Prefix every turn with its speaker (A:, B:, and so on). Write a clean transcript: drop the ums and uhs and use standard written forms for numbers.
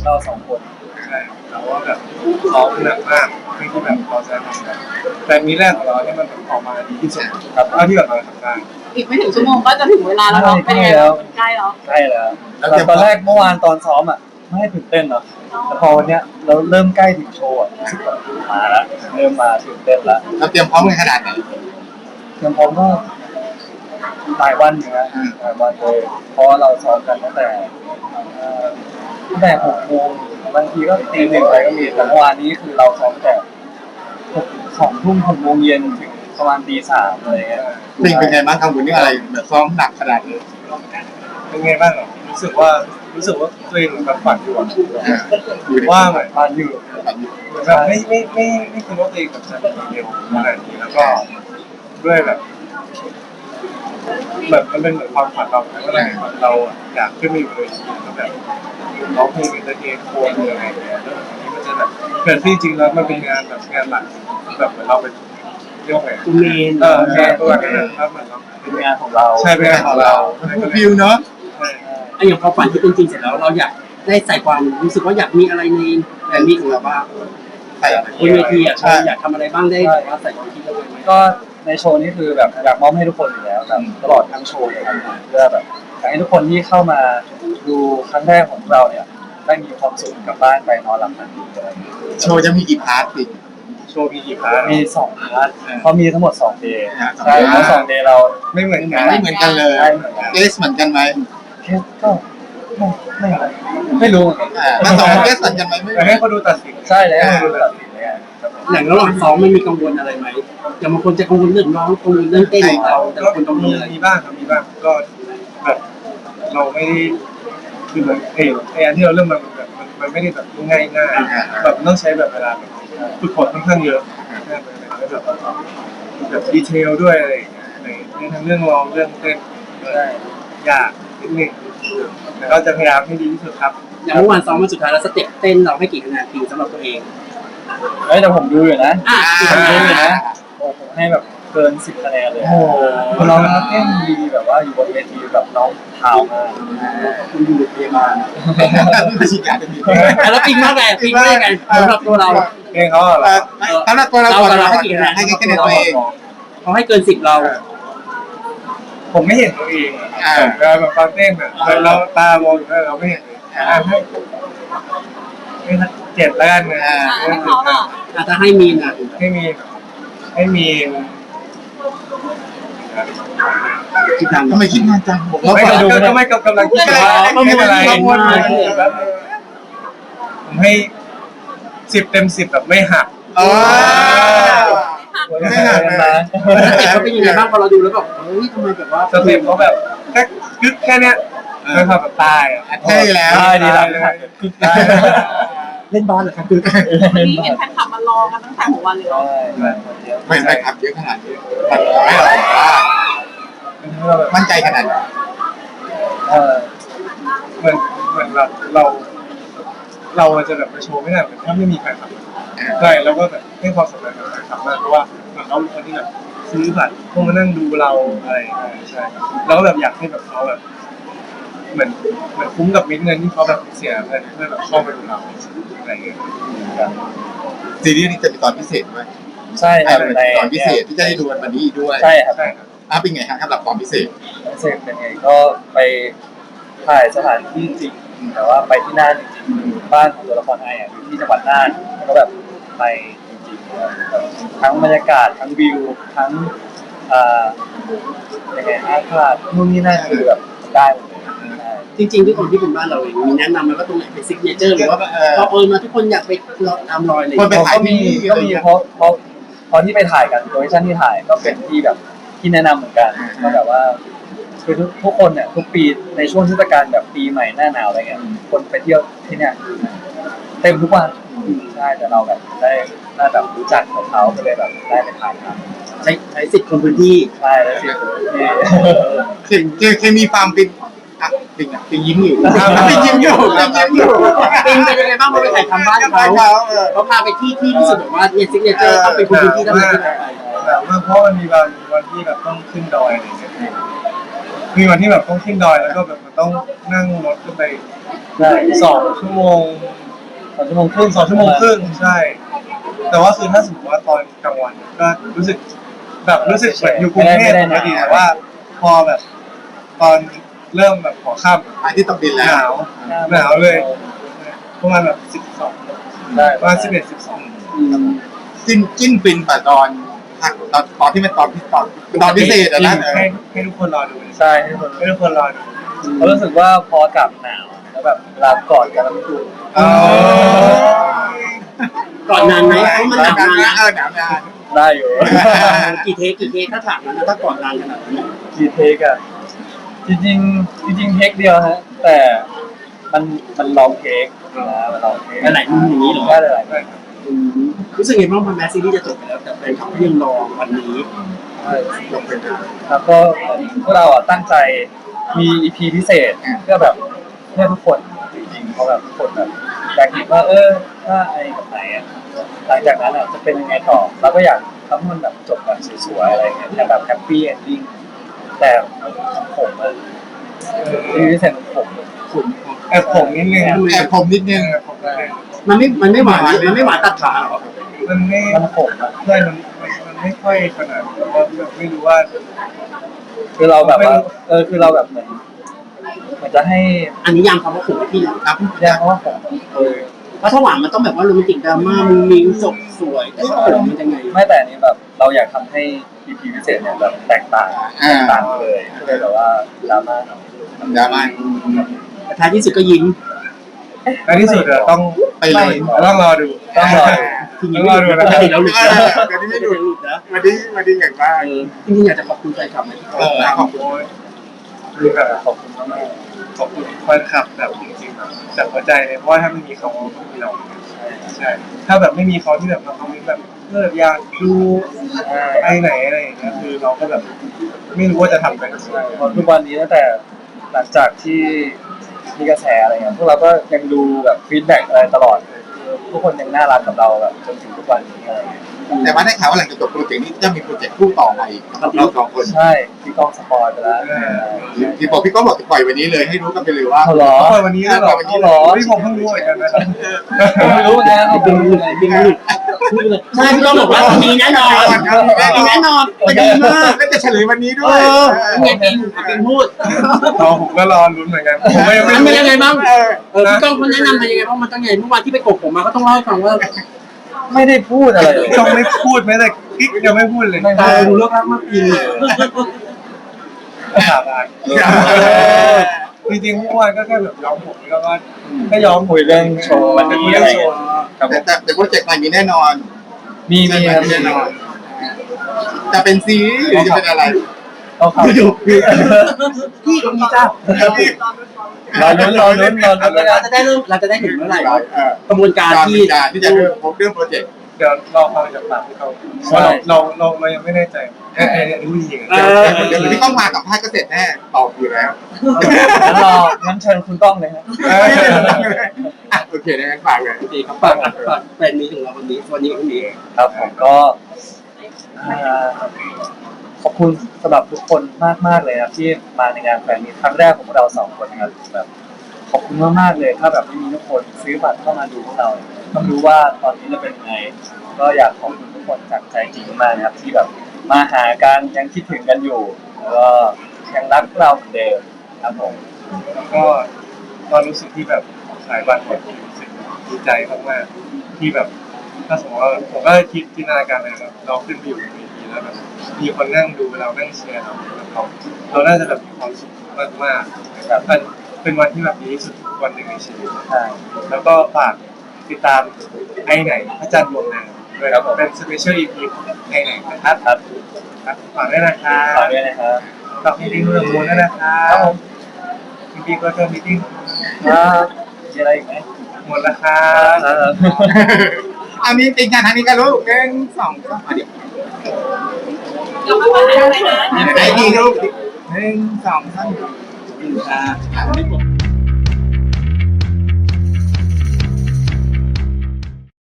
A: เราสองคน
B: ใช่แต่ว่าแบบซ้อมหนักมากเพื่อที่แบบเราจะทำแบบแต่มีแรกของเราเนี่ยมันออกมาดีที่สุดครับเท่าที่แบบเราทำได้
C: อีกไม่ถึงชั่วโมงก็จะถึงเวลาแล้วเนาะเป็นไงแล้วใกล้แล้ว
A: ใกล้แล้วตอนแรกเมื่อวานตอนซ้อมอ่ะไม่ให้ตื่นเต้นเนาะแต่พอวันเนี้ยเราเริ่มใกล้ถึงโชว์อ่ะรู้สึกแบบมาแล้วเริ่มมาตื่นเต้นแล้ว
D: เราเตรียมพร้อมกันขนาดไหน
A: เตรียมพร้อมก็หลายวันอยู่นะหลายวันเลยเพราะเราซ้อมกันตั้งแต่6 โมงบางทีก็ตี 1ไปก็มีแต่เมื่อวานนี้คือเราซ้อมแต่2 ทุ่ม6 โมงเย็นถึงประมาณตี 3อะไรเงี้ย
D: เป็นไงบ้างกังวลเรื่องอะไรแบบซ้อมหนักขนาดนี้
B: เป็นไงบ้างอ่ะรู้สึกว่าตัวเองเหมือนกับฝันอยู่อ่ะว่าเหมือนฝันอยู่แบบไม่คิดว่าตัวเองแบบจะเร็วขนาดนี้แล้วก็ด้วยแบบมันเป็นเหมือนความฝันเราแล้วก็เราอยากขึ้นมาอยู่เลยแล้วแบบร้องเพลงเป็นเทนโคนอะไรอย่างเงี้ยแล้วทีนี้มันจะแบบเกิดที่จริงแล้วมันเป็นงานแบบงานหลักแบบเหมือนเราเป็นเรียกว่าไง
A: เมน
B: แค่ตัวนั้นครับเหมือนเรา
A: เป็นงานของเรา
B: ใช่เป็นงานของเรา
D: ฟิวเนาะ
E: ไอ้อย่างพอฝันที่เป็นจริงเสร็จแล้วเราอยากได้ใส่ความรู้สึกว่าอยากมีอะไรในแบรนด์นี้ของเราบ้าง
D: ใส่
E: บนเวทีอ่ะอยากทำอะไรบ้างได้แบบว่าใส่ความคิดเราไหม
A: ก็ในโชว์นี้คือแบบอยากมอบให้ทุกคนอยู่แล้วแบบตลอดทั้งโชว์เลยครับเพื่อแบบอยากให้ทุกคนที่เข้ามาดูครั้งแรกของเราเนี่ยได้มีความสุขกลับบ้านไปนอนหลับฝันดีอะไรอย่างเงี้ย
D: โชว์จะมีกี่พาร์ทดิ
B: โชว์มีกี่พาร์ท
A: มี2 พาร์ทเพราะมีทั้งหมด2 เดย์ใช่เพราะ2 เดย์เรา
B: ไม่เหมือนกัน
D: เลยเกสเหมือนกันไหม
A: แค่ก็ไม่รู้เหมือนกัน
D: ทั้ง2เกสเหมือนกันไหมไม่
B: ให้เขาดูตัดสิน
A: ใช่แล้วให้เขาดูตัดสินเลย
E: อย่างระหว่างซ้อมมันมีกังวลอะไรไหมอย่างบางคนจะกังวลเรื่องร้องกังวลเรื่องเต้นของเราแต่คนกังวลอะไร
B: มีบ้างครับมีบ้างก็แบบเราไม่ได้คือเหมือนไอ้อันที่เราเริ่มมันไม่ได้แบบง่ายแบบมันต้องใช้แบบเวลาฝึกฝนค่อนข้างเยอะแบบดีเทลด้วยอะไรอย่างเงี้ยในทั้งเรื่องร้องเรื่องเต้นยากนิดนึงแต่ก็จะพยายามให้ดีที่สุดครับ
E: อย่างเมื่อวานซ้อมมาสุดท้ายแล้วสเต็ปเต้นเราให้กี่คะแนนจริงสำหรับตัวเอง
A: แต่ผมดูอยู่นะผมดูอยู่นะผมให้แบบเกิน10 คะแนนเลยน้องเต้นดีแบบว่าอยู่บนเวทีแบบน้องเท้ามา
E: คุณอยู่พยาบาล
D: ไม่ใช่การดี
E: แล้วปิงมากไงปิงมากไงสำหรับตัวเรา
B: เองเขา
D: สำหรับตัวเรา
E: ให้กี่คะแนน
D: ให้คะแนนตัวเอง
E: เขาให้เกิน10เรา
B: ผมไม่เห็นตัวเองแบบตอนเต้นแบบเราตามองอยู่แล้วเราไม่เห็นเลยให้7แล้วกันนะ
C: ให้เขาอ่ะ
E: จะให้มีนะ
B: ให้มี
D: คิดนานทำไมคิดนานจังผม
B: ไม่ดูก็ไม่กำลังคิดไม่เป็นไรผมให้10 เต็ม 10แบบไม่หัก
D: ไม่หัก
A: นะ
E: เขาเป็นยังไงบ้างพอเราดูแล้วแบบเฮ้ยทำไมแบบว่า
B: สเต็ปเขาแบบแค่เนี้ยไม่พอแบบตาย
D: ใช่แล้ว
A: ดีแล้ว
E: เล่นบอลเหรอครับ
C: วันนี้เห็นแฟนคลับมารอกันตั้งแต่หัววันเลยเนาะ
D: ไม่ครับเยอะขนาดนี้มั่นใจขนาดไหน
B: เหมือนแบบเราจะแบบมาโชว์ไม่ได้เหมือนถ้าไม่มีแฟนคลับใช่แล้วก็แบบให้ความสำคัญกับแฟนคลับมากเพราะว่าเหมือนเขาเป็นคนที่แบบซื้อบัตรพวกมานั่งดูเราอะไรใช่แล้วก็แบบอยากให้แบบเขาแบบเหมือนคุ้มกับเงินที่เขาแบบเสียเงินเพื่อแบบเข้าไปดูเราอะไรอย่างเงี้ย
D: ซีรีส์นี้จะมีตอนพิเศษด้วย
A: ใช่ครับใน
D: ตอนพิเศษที่จะได้ดูวันนี้ด้วย
A: ใช่ครับ
D: เป็นไงครับสำหรับตอนพิเศษ
A: เป็นไงก็ไปถ่ายสถานที่จริงแต่ว่าไปที่น่านจริงๆบ้านของตัวละครไอ้อยู่ที่จังหวัดน่านแล้วก็แบบไปจริงๆทั้งบรรยากาศทั้งวิวทั้งยังไงอากาศนู่นนี่นั่นคือแบบได้หมดเลย
E: จริงๆทุกคนที่เป็นบ้านเราเองมีแนะนำไหมว่าตรงไหนเป็นซิกเนเจอร์หรือว่าพอมาทุกคนอยากไปตามรอยเลย
D: คนไปถ่าย
A: ก็มีเพราะที่ไปถ่ายกันโลเคชั่นที่ถ่ายก็เป็นที่แบบที่แนะนำเหมือนกันก็แบบว่าคือทุกคนเนี่ยทุกปีในช่วงเทศกาลแบบปีใหม่หน้าหนาวอะไรเงี้ยคนไปเที่ยวที่เนี่ยเต็มทุกวันใช่แต่เราแบบได้แบบรู้จักเขาก็เลยแบบได้ไปถ่ายครับ
E: ใช้สิทธิ์คนพื้นที่
A: ใช่แล้ว
D: เคยมีความเป็นปิงยิ้มอยู่ปิงยิ้มอยู่
E: ปิงเป็นยังไงบ้างเราไปถ่ายทำบ้านเขาพาไปที่รู้สึกแบบว่าเนี่ยซิกเนเจอร์ต้องเป็นคนพื้นที่ต้องไป
B: แต่ว่าเพราะมันมีวันที่แบบต้องขึ้นดอยอะไรอย่างเงี้ยมีวันที่แบบต้องขึ้นดอยแล้วก็แบบมันต้องนั่งรถขึ้นไป
A: ใช่
B: 2 ชั่วโมง
A: 2 ชั่วโมงครึ่ง
B: 2 ชั่วโมงครึ่งใช่ แต่ว่าคือถ้าสมมติว่าตอนกลางวันก็รู้สึกเหมือนอยู่กรุงเทพปกติแต่ว่าพอแบบตอนเริ่มแบบหัวค่ำ
D: อาที่ตกดิน
B: ห
D: แล้ว
B: นาวเลยประมาณแบบ12
A: ได้
B: ประมาณ11-12
D: จิ้นฟินแต่ตอนที่มันตอนพิเศษอะนะ
B: ให้ทุกคนรอดู
A: ใช่ให้คน
B: ให้ทุกคนรอดู
A: เขารู้สึกว่าพออากาศหนาวแล้วแบบเวลากอดกันแล้วมันดู
E: ก่อนนานไหมเพราะมันหนักนานนะ
D: หนาวนะ
A: ได้อยู่
E: กี่เทคถ้าถามนะถ้าก่อนนานขนาดนี้
A: กี่เทคอะจริงเทคเดียวฮะแต่มันลองเทคนะมันลองเทค
E: หลายมุมอย่างนี้เหรอ
A: ได้หลายมุม
E: รู้สึกไงบ้างพอแมสซีรีส์จะจบไปแล้วแต่แฟนคลับก็ยังรอวันนี้
D: ลงเป็น
A: แล้วก็พวกเราอ่ะตั้งใจมี EP พิเศษเพื่อแบบเพื่อทุกคนจริงๆเขาแบบทุกคนแบบอยากเห็นว่าถ้าไอ้กับไหนอ่ะหลังจากนั้นอ่ะจะเป็นยังไงต่อเราก็อยากทำให้มันแบบจบแบบสวยๆอะไรเงี้ยแต่แบบแฮปปี้เอนดิ้งแต่ผมอ่ะ EP พิเศษของผม
B: แอบผมนิดนึง
D: แอบผมนิดนึง
E: มันไม่หวานตัดขาหรอ
B: มันผมอ่ะเพื่อนมันไม่ค่อยขนาดนั้นว่าแบบไม่รู้ว่า
A: คือเราแบบว่าคือเราแบบเหมือนจะให้
E: อันนี้ยามคำว่าผมพี่นะครับ
A: แยกว่าผม
E: เพราะถ้าหวานมันต้องแบบว่าโรแมนติกดราม่ามันมีจบสวยแต่ว่าผมมันยังไง
A: ไม่แต่อันนี้แบบเราอยากทำให้ EP พิเศษเนี่ยแบบแตกต่างเลยก็เลยแบบว่าดราม่า
D: ดราม่า
E: แต่ท้ายที่สุดก็ยิ้ม
B: ในที่สุดเราต้อง
D: ไปเลย
B: ต้องรอดู
A: ต้องรอดู
E: ทีนี้
B: ต้องรอดูนะ
E: ปกติเราหลุดนะ
D: เดี๋ยวนี้ไม่หลุด
E: นะ
D: วันนี้อย่างมาก
E: จริงๆอยากจะขอบคุณแฟนคลับนะ
B: ขอบคุณคือแบบขอบคุณมากขอบคุณแฟนคลับแบบจริงๆแบบจากหัวใจเลยเพราะว่าถ้าไม่มีเขาก็ไม่มีเราใช่ถ้าแบบไม่มีเขาที่แบบมาคอมเมนต์แบบอยากดูไปไหนอะไรอย่างเงี้ยคือเราก็แบบไม่รู้ว่าจะทำไปทำไม
A: เพราะทุกวันนี้ตั้งแต่หลังจากที่มีกระแสอะไรเงี้ยพวกเราก็ยังดูแบบฟีดแบ็กอะไรตลอดทุกคนยังน่ารักกับเราแบบจนถึงทุกวันนี้อะไรเงี้ย
D: แต่ว่าได้ข่าวว่าหลังจากจบโปรเจกต์นี้จะมีโปรเจกต์คู่ต่อมาอีกกับเรา2 คน
A: ใช่พี่ก้องสปอยไปแล้ว
D: ที่บอกพี่ก็บอกจะปล่อยวันนี้เลยให้รู้กันไปเลยว่า
A: เขาหรอ
B: ปล่อยวันนี้แล้วเหรอ
A: เขาหรอ
B: ที่ผมเพิ่งรู้เหมือนกันนะครับ
A: ผมไม่รู้เหมือนกันเขา
E: บิ
A: เป็น
E: น
A: ยังไง
E: บิ
A: พี่
E: น
A: ไม่
E: หลุ
A: รู้
E: ดใช่พี่ต้องบอกว่ามีแน่นอนมีแน่นอนมันดีมาก
D: แล้วจะเฉลยวันนี้ด้
E: เอ
D: วย
E: อไงปิงพูด
B: ผมก็รอลุ้นเหมือนกันผมไม่
E: มันเป็นยังไงบ้าง
D: เออ
E: พี่ก้องเขาแนะนำมายังไงบ้างมันต้องไงเมื่อวานที่ไปกบผมมาก็ต้องเล่าให้ฟังว่า
A: ไม่ได้พูดอะไรเลย
B: ต้องไม่พูดแม้แต่กิ๊กยังไม่พูดเลย
E: ตาดูเลิกรักมากปี
B: สาบานจริงๆเมื่อวานก็แค่แบบย้อมผมแล้วก็แค่ย้อม
A: คุยเรื่องโชว์วันนี้อะไรเงี้ยครับผม
D: แต่โปรเจกต์ใหม่มีแน่นอน
A: มีครับ
D: แน่นอน จะเป็นซีรีส์หรือจะเป็นอะไร
A: ต้องเข้าดู
E: พี่ก็มีจ้าร
A: อลุ้นแล้วกัน
E: เราจะได้เห็นเมื่อไหร่กระบวนการที่
D: ที่จะเริ่มโปรเจกต์
B: เดี๋ยวรอฟังจากปากพี่เขาเพราะเรายังไม่แน่ใจรู้จริง
D: เดี๋ยวพี่ต้องมากับพาษก็เสร็จแน่ตอบอยู่แล้ว
A: งั้นเชิญคุณก้องเลยครับ
D: โอเคงั้นฝากเลย
E: ดีครับฝากแฟนมีของเราวันนี้กับพรุ่งนี้
A: ครับผมก็ขอบคุณสำหรับทุกคนมากๆเลยนะที่มาในงานแฟนมีตครั้งแรกของพวกเรา2 คนนะครับแบบขอบคุณมากๆเลยถ้าแบบไม่มีทุกคนซื้อบัตรเข้ามาดูพวกเราต้องรู้ว่าตอนนี้จะเป็นยังไงก็อยากขอบคุณทุกคนจากใจจริงมากนะครับที่แบบมาหากันยังคิดถึงกันอยู่แล้วก็ยังรักเราเหมือนเดิมครับผม
B: แล้วก็ตอนรู้สึกที่แบบขายบัตรหมดรู้สึกดีใจมากๆที่แบบถ้าสมมติว่าผมก็คิดจินตนาการเลยแบบเราขึ้นไปอยู่บนเวทีแล้วแบบมีคนนั่งดูเรานั่งเชียร์เราน่าจะแบบมีความสุขมากๆแบบเป็นวันที่แบบดีที่สุดวันหนึ่งในชีวิต
A: ใช่
B: แล้วก็ฝากติดตามไอ้ไหนพระจันทร์ดวงนางด้วยครับเป็นสเปเชียลอีพีของไอ้ไหนนะครับฝากด้วยนะครับ
A: ฝากด้วยนะครับ
B: ฝากพี่ดิ้งเรื่องมูลด้วยนะครับ
A: ครับผม
B: พี่ดิ้งก็เจอพี่ดิ้ง
A: มีอะไรอีกไหม
B: หมดแล้วครับ
D: อันนี้ติดงานทางนี้กันลูก1 2 3เดี๋ยว
C: เราไม่ว่าอะไรนะ
D: ไหนดีลูก1 2 3
E: ไม่หมด